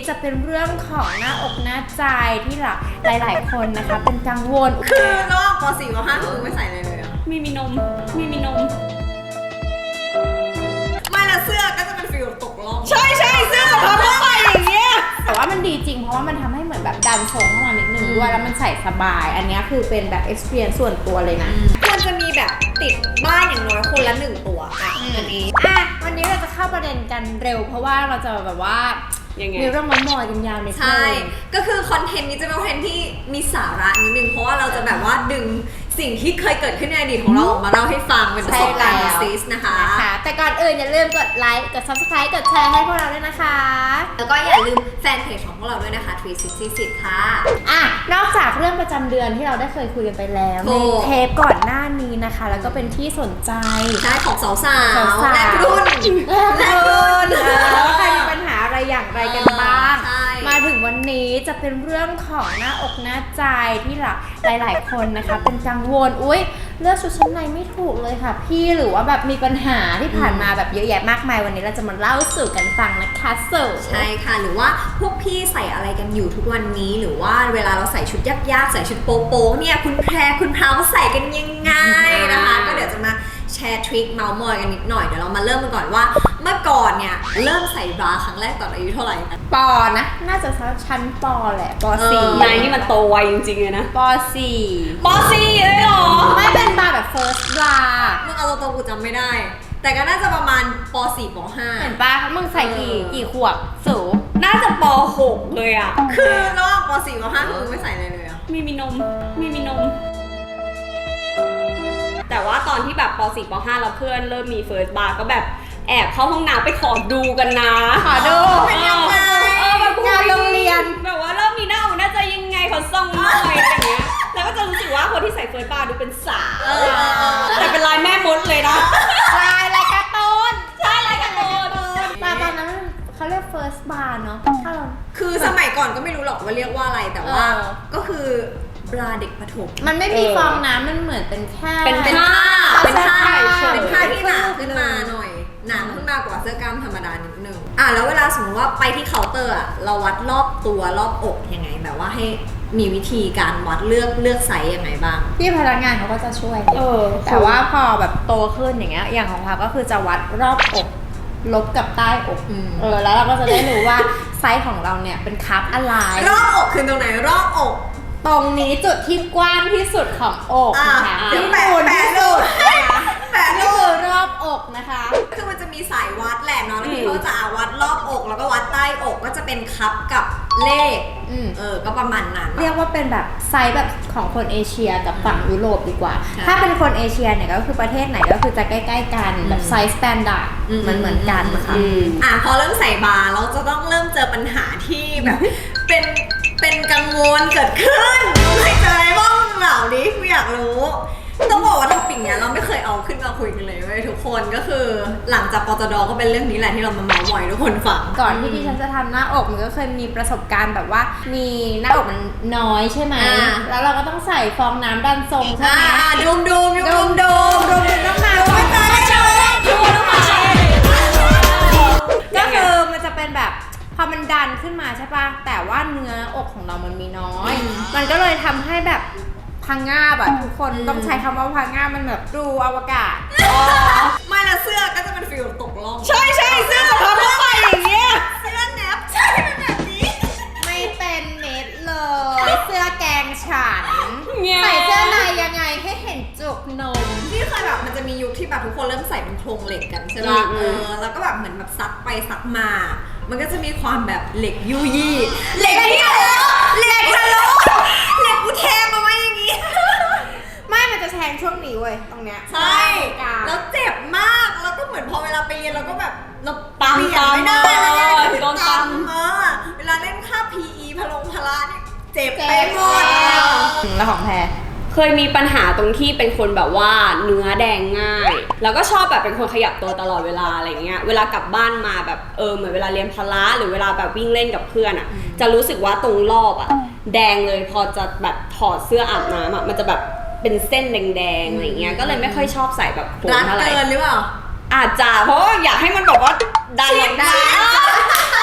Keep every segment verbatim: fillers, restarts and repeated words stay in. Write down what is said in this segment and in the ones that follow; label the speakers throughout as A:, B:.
A: จะเป็นเรื่องของหน้าอกหน้าใจที่หลายๆคนนะคะเป็นกังวล
B: คือระหว่างป สี่ ป ห้าคือไม่ใส่อะไรเลยอะ
C: ไม่มีนมไม่มีนม
B: ไม่ละเสื้อก็จะเป็นฟิลตกล่อง
C: ใช่ใช่เสื้อสะท้อนเข้าไปอย่างเงี้ย
A: แต่ว่ามันดีจริงเพราะว่ามันทำให้เหมือนแบบดันทรงเข้ามานิดนึงด้วยแล้วมันใส่สบายอันนี้คือเป็นแบบ experience ส่วนตัวเลยนะ
B: ควรจะมีแบบติดบ้านอย่างน้อยคนละหนึ่งตัวอ่ะอันนี้
A: อ่ะวันนี้เราจะเข้าประเด็นกันเร็วเพราะว่าเราจะแบบว่ามีเรื่องมอยกันยาวใน
B: ใช่ก็คือคอนเทนต์นี้จะเป็นคอนเทนต์ที่มีสาระนิดนึงเพราะว่าเราจะแบบว่าดึงสิ่งที่เคยเกิดขึ้นในอดีตของเราออกมาเล่าให้ฟังเป็นประสบการณ์ซีสนะคะ
A: แต่ก่อนอื่นอย่าลืมกดไลค์กด ซับสไครบ์ กดแชร์ให้พวกเราด้วยนะคะ
B: แล้วก็อย่าลืมแฟนเพจของพวกเราด้วยนะคะทรีซิกซี่ค่ะ
A: อ่ะนอกจากเรื่องประจำเดือนที่เราได้เคยคุยกันไปแล้วในเทปก่อนหน้านี้นะคะแล้วก็เป็นที่สนใจ
B: ใช่ของสาวๆและรุ่น
A: และรุ่นใครมีปัญหาอะไรอย่างไรกันบ้างมาถึงวันนี้จะเป็นเรื่องของหน้าอกหน้าใจที่หลายๆคนนะคะเป็นกังวลอุ๊ยเลือกชุดชั้นในไม่ถูกเลยค่ะพี่หรือว่าแบบมีปัญหาที่ผ่านมาแบบเยอะแยะมากมายวันนี้เราจะมาเล่าสู่กันฟังนะคะสู่
B: ใช่ค่ะหรือว่าพวกพี่ใส่อะไรกันอยู่ทุกวันนี้หรือว่าเวลาเราใส่ชุดยากๆใส่ชุดโป๊ะๆเนี่ยคุณแพรคุณพราวใส่กันยังไงนะคะก็เดี๋ยวจะมาแชร์ทริคเมาส์มอยกันนิดหน่อยเดี๋ยวเรามาเริ่มกันก่อนว่าเมื่อก่อนเนี่ยเริ่มใส่บราครั้งแรกตอนอายุเท่าไหร่กัน
A: ปอนะน่าจะชั้นปอแหละปอสี่
C: นายนี่มันโตไวจริงๆเลยนะ
A: ปอสี่
C: ปอสี่เลยเหรอ
A: ไม่เป็นบาแบบ first bra
B: มึงเอาตัวกูจำไม่ได้แต่ก็น่าจะประมาณปอสี่ปอห้า
A: เห็นปะมึงใส่กี่กี่ขวบสูง
C: น่าจะปอหกเลยอ่ะ
B: คือระหว่างปอสี่ปอห้าคือไม่ใส่อะไรเลยอะ
C: ไม่มีนมไม่มีนมแต่ว่าตอนที่แบบป สี่ ป ห้า เราเพื่อนเริ่มมีเฟิร์สบาร์ก็แบบแอบเข้าห้องน้ำไปขอดูกันนะ
A: ขอดู
B: เป็นยังไง
C: เออแบบ
A: งานโรงเรียน
C: แบบว่าเริ่มมีหน้าอกน่าจะยังไงขอส่องหน่อยอะไรเงี้ยแล้วก็จะรู้สึกว่าคนที่ใส่เฟิร์สบาร์ดูเป็นสาวแต่เป็นลายแม่มดเลยนะ
A: ลายลายการ์ตูน
C: ใช่ลายการ์ตูน
A: ตอนนั้นเขาเรียก first bar เนาะถ้าเรา
B: คือสมัยก่อนก็ไม่รู้หรอกว่าเรียกว่าอะไรแต่ว่าก็คือบราเด็กประถม
A: มันไม่มีฟองน้ำมันเหมือนเป็นแค่
B: เป็นเป็นผ้าเป็นผ้าเป็นผ้าที่หนาขึ้นมาหน่อยหนาขึ้นมากว่าเสื้อกล้ามธรรมดานิดนึงอ่ะแล้วเวลาสมมติว่าไปที่เคาน์เตอร์อ่ะเราวัดรอบตัวรอบอกยังไงแบบว่าให้มีวิธีการวัดเลือกเลือกไซส์ยังไงบ้าง
A: พี่พนักงานเขาก็จะช่วยเออแต่ว่าพอแบบโตขึ้นอย่างเงี้ยอย่างของเขาก็คือจะวัดรอบอกลบกับใต้อกเออแล้วเราก็จะได้รู้ว่าไซส์ของเราเนี่ยเป็นคัพอะไร
B: รอบอกคือตรงไหนรอบอก
A: ตรงนี้จุดที่กว้างที่สุดของอกนะคะ
B: ที่แปะแปะรูปแปะรู
A: ปรอบอกนะคะ
B: คือมันจะมีสายวัดแหละเนาะแล้วที่เขาจะวัดรอบอกแล้วก็วัดใต้อกก็จะเป็นคัพกับเลขเออก็ประมาณนั้น
A: เรียกว่าเป็นแบบไซส์แบบของคนเอเชียกับฝั่งยุโรปดีกว่าถ้าเป็นคนเอเชียเนี่ยก็คือประเทศไหนก็คือจะใกล้ๆกันแบบไซส์สแตนดาร์ดมันเหมือนกันนะคะ
B: อ่ะพอเริ่มใส่บาร์เราจะต้องเริ่มเจอปัญหาที่แบบเป็นเป็นกังวลเกิดขึ้นไม่เจออะไรบ้างเหล่านี้กูอยากรู้ต้องบอกว่าท็อปิกเนี้ยเราไม่เคยเอาขึ้นมาคุยกันเลยเว้ยทุกคนก็คือหลังจากปตดก็เป็นเรื่องนี้แหละที่เรามาเมาส์มอยทุกคนฟัง
A: ก่อนที่ดิฉันจะทำหน้าอกมันก็เคยมีประสบการณ์แบบว่ามีหน้าอกมันน้อยใช่ไหมแล้วเราก็ต้องใส่ฟองน้ำดันทรงใช่ไหม
B: ดูมดูมดูมดูมดูมต้องมาดูไม่ตายได้เลยดูต้องมา
A: ก็คือมันจะเป็นแบบพอมันดันขึ้นมาใช่ปะแต่ว่าเนื้ออกของเรามันมีน้อยมันก็เลยทำให้แบบพังงาบอะทุกคนต้องใช้คำว่าพังงาบมันแบบดูอวกาศ
B: ไม่ละเสื้อก็จะเป็นฟิลตกล่อง
C: ใช่ใช่เสื้อสะท้อนเข้าไปอย่างเงี้ย
B: เสื้อแนบใช่เป็นแบบนี้
A: ไม่เป็นเม็ดเลยเสื้อแกงฉันใส่เสื้อในยังไงให้เห็นจุกนม
B: ที่เคยแบบมันจะมียุคที่แบบทุกคนเริ่มใส่เป็นโครงเหล็กกันใช่ป่ะเออแล้วก็แบบเหมือนแบบซักไปซักมามันก็จะมีความแบบเหล็กยุยี่เหล็กที่ทะลุเหล็กทะลุเหล็กกูแทงมาไว้อย่างงี้
A: ไม่มันจะแทงช่วงนี้เว้ยตรงเนี้ย
B: ใช่แล้วเจ็บมากแล้วก็เหมือนพอเวลาไปเรียนเราก็แบบเราปั๊มไม่ได้แล้วเนี่ยโดนปั๊มเออเวลาเล่นค่า พี อี พลงพละเนี่ยเจ็บไปหมด
A: แล้วของแพร
C: เคยมีปัญหาตรงที่เป็นคนแบบว่าเนื้อแดงง่ายแล้วก็ชอบแบบเป็นคนขยับตัวตลอดเวลาอะไรเงี้ยเวลากลับบ้านมาแบบเออเหมือนเวลาเรียนพละหรือเวลาแบบวิ่งเล่นกับเพื่อนอ่ะจะรู้สึกว่าตรงรอบอ่ะแดงเลยพอจะแบบถอดเสื้ออาบน้ำอ่ะมันจะแบบเป็นเส้นแดงๆอะไรเงี้ยก็เลยไม่ค่อยชอบใส่แบบโครงเท่าไหร่
B: รัดเกินหรือเปล่า
C: อาจจะเพราะอยากให้มันแบบว่าดันได้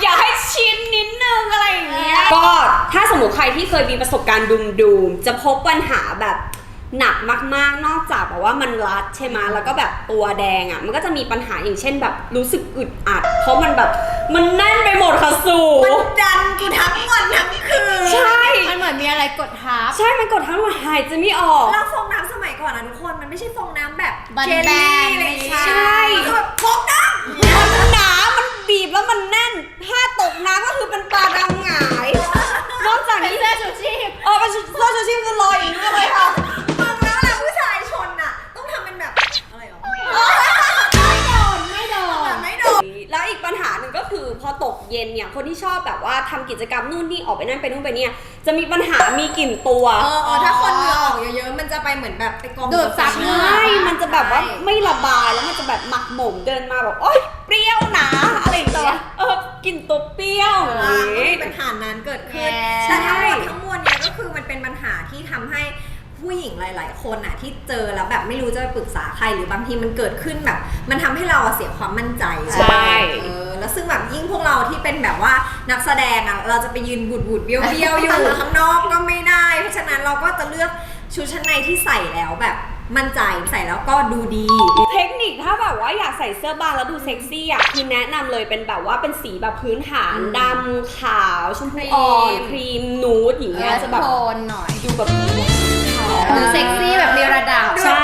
C: อย่าให้ชินนิดนึงอะไรอย่างเงี้ยก็ถ้าสมมติใครที่เคยมีประสบการณ์ดุมๆจะพบปัญหาแบบหนักมากๆนอกจากแบบว่ามันรัดใช่ไหมแล้วก็แบบตัวแดงอ่ะมันก็จะมีปัญหาอย่างเช่นแบบรู้สึกอึดอัดเพราะมันแบบมันแน่นไปหมดค่ะสู
B: มันดันกูทั้งวันทั้งคืน
C: ใช่
A: มันเหมือนมีอะไรกดทับ
C: ใช่มันกดทั้งวันหายใจไม่ออก
B: แล้วฟองน้ำสมัยก่อนนะทุกคนมันไม่ใช่ฟองน้ำแบบ
A: แบนๆ
B: เจลลี่อะไรอย่าง
A: ไม่
B: เงี้ย
A: ใช่
B: มันคือแบบฟองน้ำ
C: มันหนา มันบีบแล้วมันแน่น ถ้าตกน้ำก็คือเป็นปลาดำหงาย นอกจากนี้
A: เสื้อชูชีพ
C: เออเป็นเสื้อชูชีพคือลอยอย่างนี้เลยค่ะ
B: มึงแล้วนะผู้ชายชนน่ะต้องทำเป็นแบบอะไรหรอ
A: ไม่โดน ไม่โดน
B: แบบไม่โดน
C: แล้วอีกปัญหาหนึ่งก็คือพอตกเย็นเนี่ยคนที่ชอบแบบว่าทำกิจกรรมนู่นนี่ออกไปนั่นไปนู่นไปเนี่ยจะมีปัญหามีกลิ่นตัว
B: เออเออถ้าคนเหงื่อออกเยอะๆมันจะไปเหมือนแบบไปกอง
A: ดูดซับเหงื่
C: ใช่ มันจะแบบว่าไม่ระบายแล้วมันจะแบบหมักหมมเดินมาแบบโอ๊ยเปรี้ยวนะอะไรอย่างเงี้ยเออกลิ่นตัวเปรี้ยว
B: อ่า
C: อย่าง
B: ก็
C: งี้
B: มีปัญหานั้นเกิดขึ้น
A: แย่
B: แต่ทั้งหมดทั้งมวลเนี่ยก็คือมันเป็นปัญหาที่ทำให้ผู้หญิงหลาย ๆ คนน่ะที่เจอแล้วแบบไม่รู้จะไปปรึกษาใครหรือบางทีมันเกิดขึ้นแบบ มันทำให้เราอะเสียความมั่นใจ
C: ใช่
B: เออแล้วซึ่งแบบยิ่งพวกเราที่เป็นแบบว่านักแสดงอ่ะเราจะไปยืนบูดบูดๆเบี้ยวเบี้ยวๆอยู่ ข้างนอกก็ไม่ได้ เพราะฉะนั้นเราก็จะเลือกชุดชั้นในที่ใส่แล้วแบบมั่นใจใส่แล้วก็ดูดี
C: เทคนิคถ้าแบบว่าอยากใส่เสื้อบางแล้วดูเซ็กซี่อ่ะคือแนะนำเลยเป็นแบบว่าเป็นสีแบบพื้นฐาน
B: อืม
C: ดำขาวชมพูอ่อน
B: ครีม
C: ครีมนูดอย่างเงี้ยจะแบบ
A: โทนหน่อย
C: ดูแบบ
A: ดูเซ็กซี่แบบมีระดับ
C: ใช่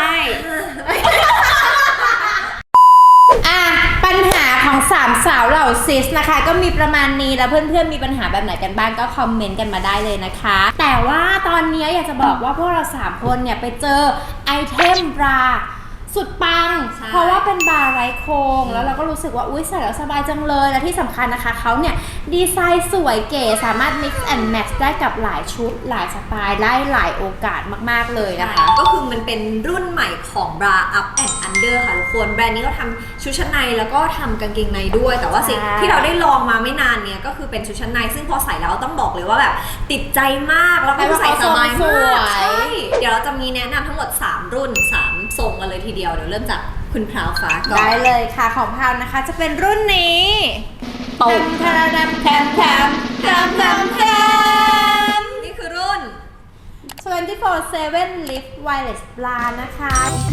A: อ่ะปัญหาของสามสาวเหล่าซิสนะคะ ก็มีประมาณนี้แล้วเพื่อนๆมีปัญหาแบบไหนกันบ้างก็คอมเมนต์กันมาได้เลยนะคะ แต่ว่าตอนนี้อยากจะบอกว่าพวกเราสามคนเนี่ยไปเจอไอเทมบราสุดปัง
B: ใช่
A: เพราะว่าเป็นบาร์ไร้โครงแล้วเราก็รู้สึกว่าอุ้ยใส่แล้วสบายจังเลยและที่สำคัญนะคะเขาเนี่ยดีไซน์สวยเก๋สามารถ mix and match ได้กับหลายชุดหลายสไตล์ได้หลายโอกาสมากๆเลยนะคะ
B: ก็คือมันเป็นรุ่นใหม่ของ Bra Up and Under ค่ะทุกคนแบรนด์นี้ก็ทำชุดชั้นในแล้วก็ทำกางเกงในด้วย แต่ว่าสิ่ง
A: ใช่
B: ที่เราได้ลองมาไม่นานเนี่ยก็คือเป็นชุดชั้นในซึ่งพอใส่แล้วต้องบอกเลยว่าแบบติดใจมากแล้วก็ใส่สบายมากใช่เดี๋ยวเราจะมีแนะนำทั้งหมดสามรุ่นสามทรงกันเลยทีเดียวเดี๋ยวเริ่มจากคุณพราวฟ้าก่อน
A: ได้เลยค่ะของพาวนะคะจะเป็นรุ่นนี้
C: ตบ
A: แทมแทมแทมแทมแทมแทมแทม
B: นี่คือรุ่น
A: ยี่สิบสี่ เซเว่น Lift Wireless Bra นะคะ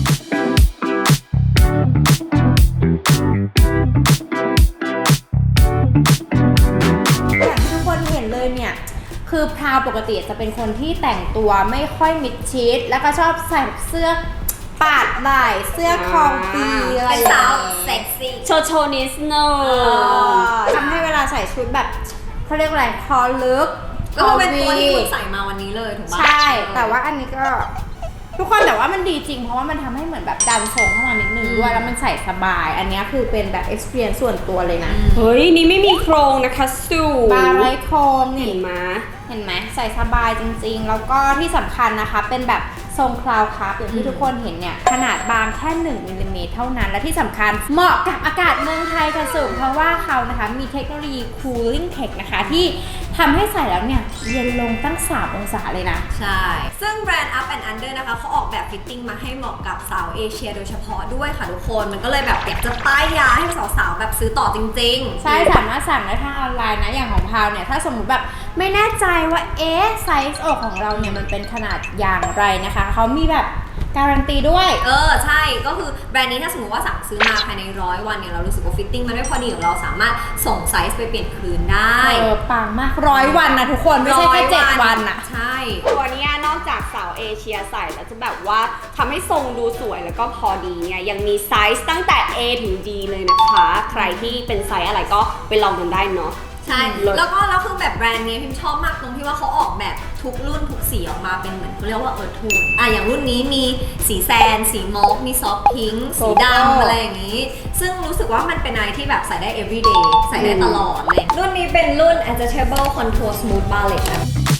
A: อย่างที่ทุกคนเห็นเลยเนี่ย คือพราวปกติจะเป็นคนที่แต่งตัวไม่ค่อยมิดชิด แล้วก็ชอบใส่เสื้อปาดไหล่เสื้อคองปีอะไร
B: เป็น
A: อย่า
B: สาว
A: งงี้
B: เซ็กซี่
C: โชว์โชว์นิสโน
A: ทำให้เวลาใส่ชุดแบบเขาเรียกอะไรคอลึก
B: ก็คือเป็นตัวที่
A: คอ
B: คุ
A: วี
B: ณใส่มาวันนี้เลยถูกปะ
A: ใช่ แต่ว่าอันนี้ก็ ทุกคนแต่ว่ามันดีจริงเพราะว่ามันทำให้เหมือนแบบดันทรงเข้ามานิดนึงด้วยแล้วมันใส่สบาย อันนี้คือเป็นแบบ experience ส่วนตัวเลยนะ
C: เฮ้ย นี่ไม่มีโครงนะคะสู
A: บาร์ไรโคม
C: เห็
A: นี่
C: นไหม
A: เห็นไหมใส่สบายจริงๆ แล้วก็ที่สำคัญนะคะเป็นแบบทรงคลาวคัพอย่างที่ทุกคนเห็นเนี่ยขนาดบางแค่หนึ่งมิลลิเมตรเท่านั้นและที่สำคัญเหมาะกับอากาศเมืองไทยค่ะสูงเพราะว่าเขานะคะมีเทคโนโลยี cooling tech นะคะที่ทำให้ใส่แล้วเนี่ยเย็นลงตั้งสามองศาเลยนะ
B: ใช่ ซึ่งแบรนด์ Up and Under นะคะเขาออกแบบฟิตติ้งมาให้เหมาะกับสาวเอเชียโดยเฉพาะด้วยค่ะทุกคน มันก็เลยแบบอยากจะป้ายยาให้สาวๆแบบซื้อต่อจริงๆ
A: ใช่สามารถสั่งได้ทางออนไลน์นะอย่างของพาวเนี่ยถ้าสมมุติแบบไม่แน่ใจว่าเอ๊ะไซส์อกของเราเนี่ยมันเป็นขนาดอย่างไรนะคะเขามีแบบการันตีด้วย
B: เออ ใช่ ก็คือแบรนด์นี้ถ้าสมมติว่าสั่งซื้อมาภายในร้อยวันเนี่ยเรารู้สึกว่าฟิตติ้งมันไม่พอดีของเราสามารถส่งไซส์ไปเปลี่ยนคืนได้
A: เออปังมากร้อยวันนะทุกคนไม่ใช่แค่เจ็ดวันอะ
B: ใช่
C: ตัวเนี้ยนอกจากสาวเอเชียใส่แล้วจะแบบว่าทำให้ทรงดูสวยแล้วก็พอดีเนี่ยยังมีไซส์ตั้งแต่ A ถึง D เลยนะคะ ใครที่เป็นไซส์อะไรก็ไปลองกันได้เนาะ
B: ใช่
C: เลิศ
B: แล้วก็แล้วคือแบบแบรนด์นี้พิมชอบมากตรงที่ว่าเขาออกแบบทุกรุ่นทุกสีออกมาเป็นเหมือนเขาเรียกว่าเออทูนอ่ะอย่างรุ่นนี้มีสีแซน สีมอลมีซอฟพิงค์สีดำอะไรอย่างนี้ ซึ่งรู้สึกว่ามันเป็นอะไรที่แบบใส่ได้ everyday ใส่ได้ตลอดเลย รุ่นนี้เป็นรุ่น adjustable contour smooth ballet นะ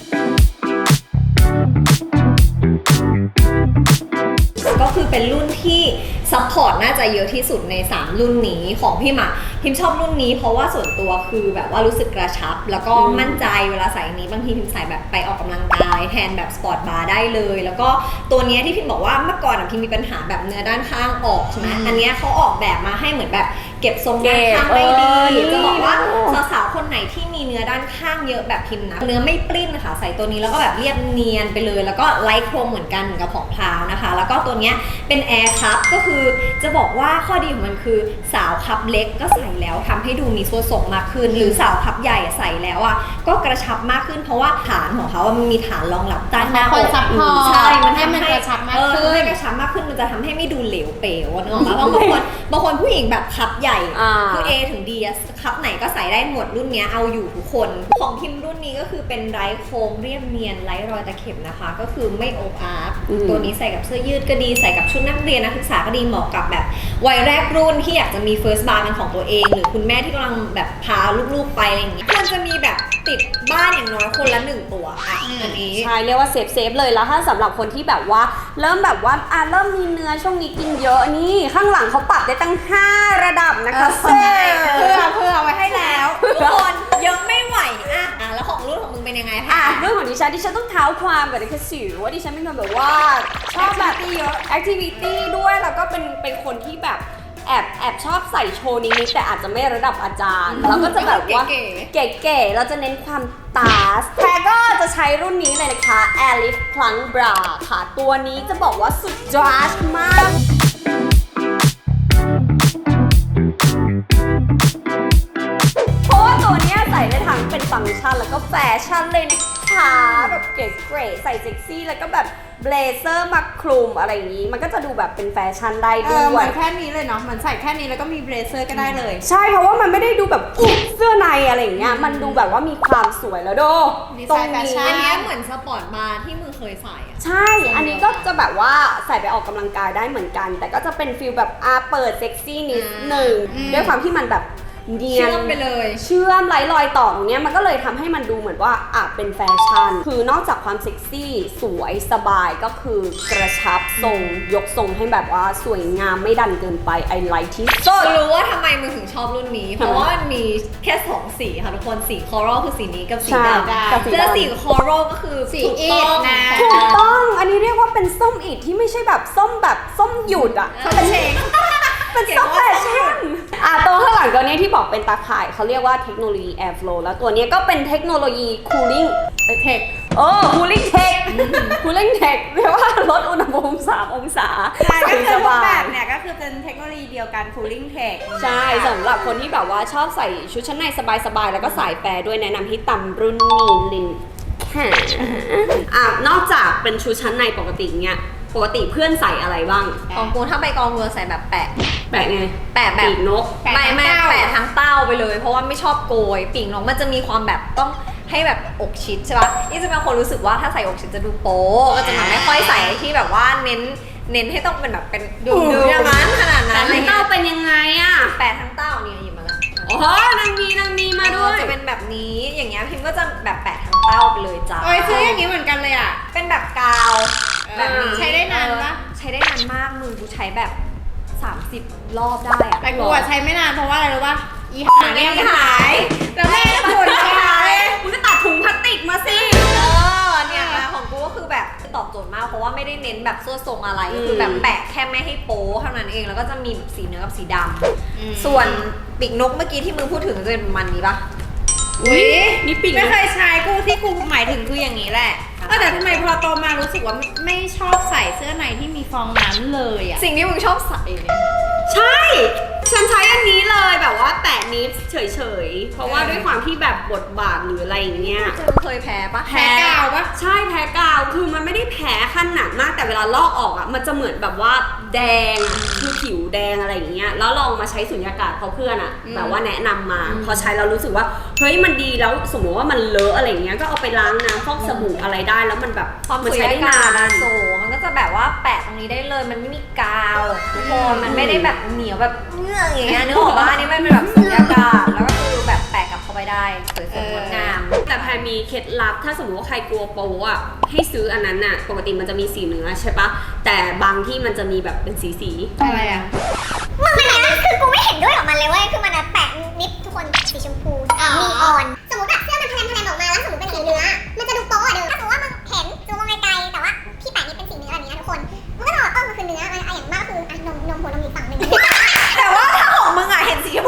B: ก็คือเป็นรุ่นที่ซัพพอร์ตน่าจะเยอะที่สุดในสามรุ่นนี้ของพี่หมาพิมชอบรุ่นนี้เพราะว่าส่วนตัวคือแบบว่ารู้สึกกระชับ แล้วก็มั่นใจเวลาใส่อันนี้บางทีพิมใส่แบบไปออกกำลังกายแทนแบบสปอร์ตบาร์ได้เลย แล้วก็ตัวเนี้ยที่พิมบอกว่าเมื่อก่อนอะพิมมีปัญหาแบบเนื้อด้านข้างออกใช่ไหมอันเนี้ยเขาออกแบบมาให้เหมือนแบบแเก็บทรงด้านข้างได้ดี
C: เก็บเออ
B: จะบอกว่า
C: โอ้
B: สาวๆคนไหนที่มีเนื้อด้านข้างเยอะแบบพิมพ์นะเนื้อไม่ปลิ้นค่ะใส่ตัวนี้แล้วก็แบบเรียบเนียนไปเลยแล้วก็ไร้โครงเหมือนกันเหมือนกับของพราวนะคะแล้วก็ตัวเนี้ยเป็นแอร์คัพก็คือจะบอกว่าข้อดีของมันคือสาวคัพเล็กก็ใส่แล้วทำให้ดูมีส่วนทรงมากขึ้นหรือสาวคัพใหญ่ใส่แล้วอ่ะก็กระชับมากขึ้นเพราะว่าฐานของเขามันมีฐานรองรับด้านหน้า
A: คอยซัพพอร์ต
B: ใช่มัน
A: ให้
B: ทำ
A: มัน
B: ให้
A: กระชับมาก
B: เออ
A: ขึ้น
B: ให้กระชับมากขึ้นมันจะทำให้ไม่ดูเหลวเป๋วนึกออกปะบางคนบางคนผู้หญิงแบบคัพใหญ่
C: อ่า
B: คือ A ถึง D อะคัพไหนก็ใส่ได้หมดรุ่นเนี้ยเอาอยู่ทุกคน ของพิมพ์รุ่นนี้ก็คือเป็นไร้โค้งเรียบเนียนไร้รอยตะเข็บนะคะ ก็คือไม่โอบอาร์
C: อืม
B: ตัวนี้ใส่กับเสื้อยืดก็ดีใส่กับชุดนักเรียนนักศึกษาก็ดีเหมาะกับแบบวัยแรกรุ่นที่อยากจะมี first bar เป็นของตัวเอง หรือคุณแม่ที่กำลังแบบพาลูกๆไปอะไรอย่างเงี้ยควรจะมีแบบติดบ้านอย่างน้อยคนละหนึ่งตัวอ่ะอันนี้
C: ใช่เรียกว่าเซฟเซฟเลยแล้วถ้าสำหรับคนที่แบบว่าเริ่มแบบว่าอ่ะเริ่มมีเนื้อช่วงนี้กินเยอะนี่ข้างหลังเขาปรับได้ตั้งห้าระดับนะคะ
A: เออเพื่อเพื่อไว้ให้แล้ว
B: ทุกคนเยอะไม่ไหวอ่ะอ่ะแล้วของรุ่นของมึงเป็นยังไง
C: อ่ะ
B: คะ
C: เรื่องของดิฉันดิฉันต้องเท้าความกับดิฉันสิว่าดิฉันเป็นคนแบบว่าชอบแบบเยอะแอคทิวิตี้ด้วยแล้วก็เป็นเป็นคนที่แบบแอบแอบชอบใส่โชว์นิดๆแต่อาจจะไม่ระดับอาจารย์แล้วก็จะแบบว่า
B: เก๋
C: เก๋ๆเราจะเน้นความตาสแพรก็จะใช้รุ่นนี้เลยนะคะ Alice Plunk Bra ค่ะ ตัวนี้จะบอกว่าสุดจอชมาก เพราะว่าตัวเนี้ยใส่ได้ทั้งเป็นฟังก์ชันแล้วก็แฟชั่นเลยนะคะแบบเก๋ๆใส่เซ็กซี่แล้วก็แบบเบลเซอร์มาคลุมอะไรอย่างนี้ มันก็จะดูแบบเป็นแฟชั่นได้
A: เอ
C: ด้
A: อเห
C: ว
A: มื
C: ย
A: อนแค่นี้เลยเนาะเหมือนใส่แค่นี้แล้วก็มีเบรเซอร์ก็ได้เลย
C: ใช่เพราะว่ามันไม่ได้ดูแบบอุ๊ยเสื้อในอะไรอย่างเงี้ยมันดูแบบว่ามีความสวยแล้วโด
A: ดีไซน์
C: ตรง
A: แฟ
C: นี้
A: ชั่
B: อันเนี้ยเหมือนสปอร์ตบาร์ที่มึงเคยใส่อะ
C: ใช่ อันนี้ก็จะแบบว่าใส่ไปออกกำลังกายได้เหมือนกัน แต่ก็จะเป็นฟิลแบบอาเปิดเซ็กซี่นิดหนึ่ง
A: อืม
C: ด้วยความที่มันแบบเนีย
B: เชื่
C: น
B: อมไปเลย
C: เชื่อมไร้รอยต่อตรงเนี้ยมันก็เลยทำให้มันดูเหมือนว่าอ่ะเป็นแฟชั่น คือนอกจากความเซ็กซี่สวยสบายก็คือกระชับทรงยกทรงให้แบบว่าสวยงามไม่ดันเกินไปไอไลท์ที่สุด
B: รู้ว่าทำไมมึงถึงชอบรุ่นนี้ เพราะว่ามันมีแค่สองสีค่ะทุกคนสีคอรัลคือสีนี้กับสี
C: ใช่
B: ดำ
C: กับสีดำ
B: เสื้อสีคอรัลก็คือ
A: สี
B: ถูก
A: อี
B: ต้
A: ด
B: อง
A: นะ
C: ถูกต้อง อันนี้เรียกว่าเป็นส้มอิดที่ไม่ใช่แบบส้มแบบส้มหยุดอ่ะ
B: เขาเป็นเชง
C: เป็นส้มแฟชั่นอ่ะตัวข้างหลังตัวเนี้ยที่บอกเป็นตาข่ายเขาเรียกว่าเทคโนโลยี Airflow แล้วตัวเนี้ยก็เป็นเทคโนโลยี Cooling
A: เทค
C: โอ้ Cooling Tech Cooling Tech เรียกว่าลดอุณหภูมิสามองศา
A: ใช่ก็คือ
C: ส
A: ทุก
C: บา
A: แบ
C: ย
A: บเนี่ยก็คือเป็นเทคโนโลยีเดียวกัน cooling tech
C: ใช่สำหรับคนที่แบบว่าชอบใส่ชุดชั้นในสบายๆ แล้วก็สายแฟร์ด้วยแนะนำที่ตำรุ่นนี้ลินค่ะอ่ะนอกจากเป็นชุดชั้นในปกติเนี้ยปกติเพื่อนใส่อะไรบ้าง
B: ของกูถ้าไปกองเรือใส่แบบแปะ
C: แปะไง
B: แปะแบบ
C: ปีกนก
A: แปะ
B: ไม่ไม่
A: ทั้งเต้า
B: แปะทั้งเต้าไปเลย เพราะว่าไม่ชอบโกยปีกนกมันจะมีความแบบต้องให้แบบอกชิดใช่ปะนี่จะเป็นคนรู้สึกว่าถ้าใส่อกชิดจะดูโป๊ะก็จะแบบไม่ค่อยใส่ที่แบบว่าเน้นเน้นให้ต้องเป็นแบบเป็นดูดูอย่างนั้นขนาดนั้น
C: แต่
B: อะไร
C: ทั้ง
B: เงี้
C: เต้าย เป็นยังไงอ่ะ
B: แปะทั้งเต้าเนี่ยหยิบมาแล้ว
C: โอ้โหนางมีนางมีมาด้วย
B: จะเป็นแบบนี้อย่างเงี้ยพิมก็จะแบบแปะทั้งเต้าไปเลยจ้า
A: โอ้ยซื้ออย่างนี้เหมือนกันเลยอ่ะ
B: เป็นแบบกาวแบบนี้
A: ใช้ได้นานปะ
B: เออใช้ได้นานมากมือกูใช้แบบสามสิบรอบได้อะ
A: แต่กูอะใช้ไม่นานเพราะว่าอะไรรู้ป่ะอีหาเนี่ยมันหายแล้วแม่ก็บ่นหาย
C: คุณก็ตัดถุงพลาสติกมาสิ
B: เออเนี่ยของกูก็คือแบบตอบโจทย์มากเพราะว่าไม่ได้เน้นแบบส่วนทรงอะไรก็คือแบบแปะแค่ไม่ให้โป๊เท่านั้นเองแล้วก็จะมีสีเนื้อกับสีดำส่วนปีกนกเมื่อกี้ที่มึงพูดถึงจะเป็นประมันนี้ปะ
A: อุ้ย
C: นี่ปีกนก
A: ไม่เคยใช้กูที่กูหมายถึงคืออย่างนี้แหละเออแต่ทำไมพอโตมารู้สึกว่าไม่ไม่ชอบใส่เสื้อในที่มีฟองน้ำเลยอ่ะ
B: สิ่งที่มึงชอบใส่เนี่ย
C: ใช่ ฉันใช้อันนี้เลยแบบว่าแตะนิดเฉยๆ เพราะว่าด้วยความที่แบบบทบาทหรืออะไรอย่างเงี้ย
B: มึงเคยแพ้ปะ
A: แพ้กาวปะ
C: ใช่แพ้กาวคือมันไม่ได้แพ้ขนาดมากแต่เวลาลอกออกอ่ะมันจะเหมือนแบบว่าแดงอ่ะคือผิวแดงอะไรอย่างเงี้ยแล้วลองมาใช้สุญญากาศเพราะเพื่อนอ่ะแบบว่าแนะนำมาพอใช้แล้วรู้สึกว่าเฮ้ยมันดีแล้วสมมติว่ามันเลอะอะไรอย่างเงี้ยก็เอาไปล้างน้ำฟอกสบู่อะไรได้แล้วมันแบบ
B: ความ
C: มัน
B: สุ
C: ใช้
B: ญ
C: ได้
B: ญากาศ
C: นาน
B: โซมันก็จะแบบว่าแปะตรงนี้ได้เลยมันไม่มีกาวทุกคนมันไม่ได้แบบเหนียวแบบเงื่อกอย่างเงี้ยนึกออกปะอันนี้มันเป็นแบบสุญญากาศแล้วก็คือแบบแปะกลับเข้าไปได้สวยๆงดงาม
C: แต่แพรมีเคล็ดลับถ้าสมมติว่าใครกลัวโป๊อ่ะให้ซื้ออันนั้นน่ะปกติมันจะมีสีเนื้อใช่ปะแต่บางที่มันจะมีแบบเป็นสีสี
A: อะไรอ่ะ
D: มึงมันนะคือกูไม่เห็นด้วยกับมันเลยเว้ยคือมันอะแปะนิดทุกคนสีชมพูนีออน สมมติแบบเสื้อมันแพลนแพลนออกมาแล้วสมมติเป็นสีเนื้อ มันจะดูโป๊ะอะเด้อถ้าสมมติว่ามึงเห็นดูมองไกลๆแต่ว่าพี่แปะนิดเป็นสีเนื้อแบบนี้นะทุกคน มันก็จะบอกเออมันคือเนื้ออะอย่างมากก็คืออะนมนมหัวนมอีกฝั่งหนึ่ง
B: แต่ว่าถ้าของมึงอะเห็นสีชม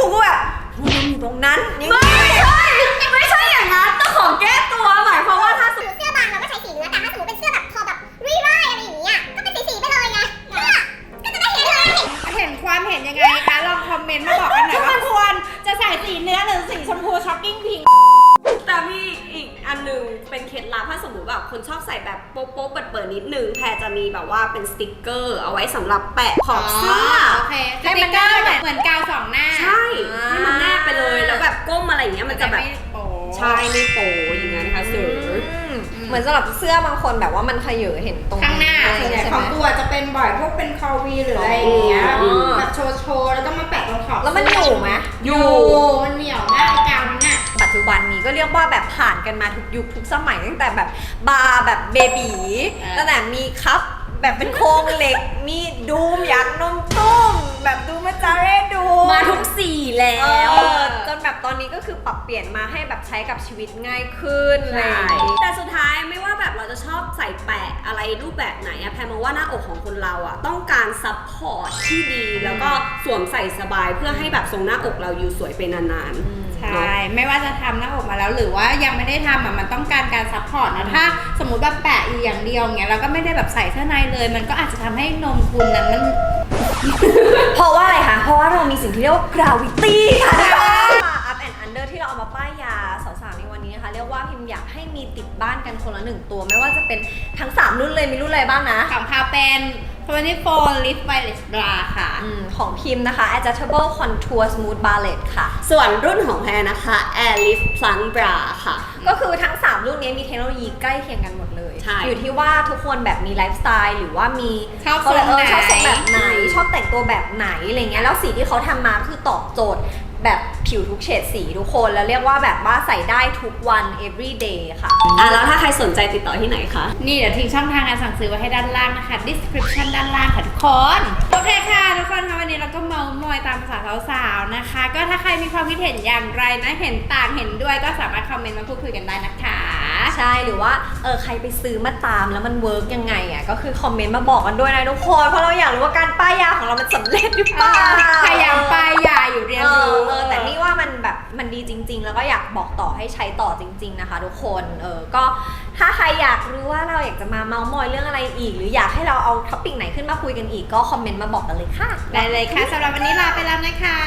A: ไงคะลองคอมเมนต์มาบอกกันหน่อยว่าควรจะใส่สีเนื้อหรือสีชมพูช็อกกิ้งพิง
C: แต่มีอีกอันหนึงเป็นเคล็ดลับถ้าสมมติแบบคนชอบใส่แบบโป๊ะๆเปิดๆนิดนึงแพรจะมีแบบว่าเป็นสติกเกอร์เอาไว้สำหรับแปะขอบเสื้อ
A: โอเคให้มันได้เหมือนกาวสองหน้า
C: ใช่ให้มันแนบไปเลยแล้วแบบก้มอะไรอย่างเงี้ยมันจะแบบ
A: ไม่โป๊
C: ใช่ไม่โป๊อย่างเงี้ยนะคะเสือ
B: อืมเหมือนสำหรับเสื้อบางคนแบบว่ามันขยเห็นตรง
A: ข้างหน้า
B: อะไร
A: ส่วนใหญ่
B: ใช่
A: ข
B: ไห
A: อง
B: ม
A: ตัวจะเป็นบ่อยพวกเป็นคอวีหรืออะไรอย่างเงี้ย
B: อ๋อ
A: แบบโชว์โชว์แล้วก็มาแปะตรงขอบ
B: แล้วมันอยู่ไหม
A: อยู่มันเหนียวมากไอ้กาวนั้นน่ะ
B: ปัจจุบันนี้ก็เรียกว่าแบบผ่านกันมาทุกยุคทุกสมัยตั้งแต่แบบบาร์แบบเบบี
A: อ่า
B: ตั้งแต่มีคัพแบบเป็นโครงเหล็ก มีดูมอยากนมตุ้มแบบดูมาจาเร่ดู
C: มาทุกสีแล้ว
B: เออจนแบบตอนนี้ก็คือปรับเปลี่ยนมาให้แบบใช้กับชีวิตง่ายขึ้นอะไร
C: ใช่
B: อย่างงี้
C: แต่สุดท้ายไม่ว่าแบบเราจะชอบใส่แปะอะไรรูปแบบไหนอะแพรมองว่าหน้าอกของคนเราอะต้องการซัพพอร์ตที่ดี แล้วก็สวมใส่สบายเพื่อให้แบบทรงหน้าอกเราอยู่สวยไปนานๆ
A: ใช่ ไม่ว่าจะทำหน้าอกมาแล้วหรือว่ายังไม่ได้ทำอ่ะมันต้องการการซัพพอร์ตนะถ้าสมมติแบบแปะอยู่อย่างเดียวเงี้ยแล้วก็ไม่ได้แบบใส่เสื้อในเลย มันก็อาจจะทำให้นมคุณนั้นมัน
B: เพราะว่าอะไรคะ เพราะว่าเรามีสิ่งที่เรียกว่า gravity ค่ะทุกคน up and under ที่เราเอามาป้ายยาสาวๆในวันนี้นะคะ เรียกว่าพิมพ์อยากให้มีติดบ้านกันคนละหนึ่งตัว ไม่ว่าจะเป็นทั้งสามรุ่นเลย มีรุ่นอะไรบ้างนะ
A: ของพาเป็นยี่สิบโฟร์ Lift Wireless Bra ค่ะ
B: อืมของพิมพ์นะคะ adjustable contour smooth ballet ค่ะ
C: ส่วนรุ่นของแพรนะคะ Air Lift Plunk Bra ค่ะ
B: ก็คือทั้ง สาม รุ่นนี้มีเทคโนโลยีใกล้เคียงกันหมดเลย
C: ใช่
B: อยู่ที่ว่าทุกคนแบบมีไลฟ์สไตล์หรือว่ามี
A: ชอบ
B: เขาเรียก
A: ทรงไหน
B: เออชอบทรงแบบไหน ชอบแต่งตัวแบบไหนอะไรเงี้ย แล้วสีที่เขาทำมาคือตอบโจทย์แบบผิวทุกเฉดสีทุกคน แล้วเรียกว่าแบบว่าใส่ได้ทุกวัน every day ค่ะ
C: อ่ะแล้วถ้าใครสนใจติดต่อที่ไหนคะ
A: นี่เดี๋ยวทิ้งช่องทางการสั่งซื้อไว้ให้ด้านล่างนะคะ description ด้านล่างค่ะทุกคน โอเคค่ะทุกคนคะวันนี้เราก็เมาส์มอยตามภาษาสาวๆนะคะ ก็ถ้าใครมีความคิดเห็นอย่างไรนะเห็นต่างเห็นด้วยก็สามารถคอมเมนต์มาพูดคุยกันได้นะคะ
B: ใช่หรือว่าเออใครไปซื้อมาตามแล้วมันเวิร์กยังไงอ่ะก็คือคอมเมนต์มาบอกกันด้วยนะทุกคนเพราะเราอยากรู้ว่าการป้ายยาของเรามันสำเร็จหรือเปล่า
A: พยายามป้ายยาอยู่เรียน
B: เอ
A: รู้
B: อเออแต่นี่ว่ามันแบบมันดีจริง ๆ แล้วก็อยากบอกต่อให้ใช้ต่อจริง ๆนะคะ ทุกคนเออก็ถ้าใครอยากรู้ว่าเราอยากจะมาเมาส์มอยเรื่องอะไรอีก หรืออยากให้เราเอาท็อปิกไหนขึ้นมาคุยกันอีกก็คอมเมนต์มาบอกกันเลยค่ะ
A: ได้เลยค่ะสำหรับวันนี้ลาไปแล้วนะคะ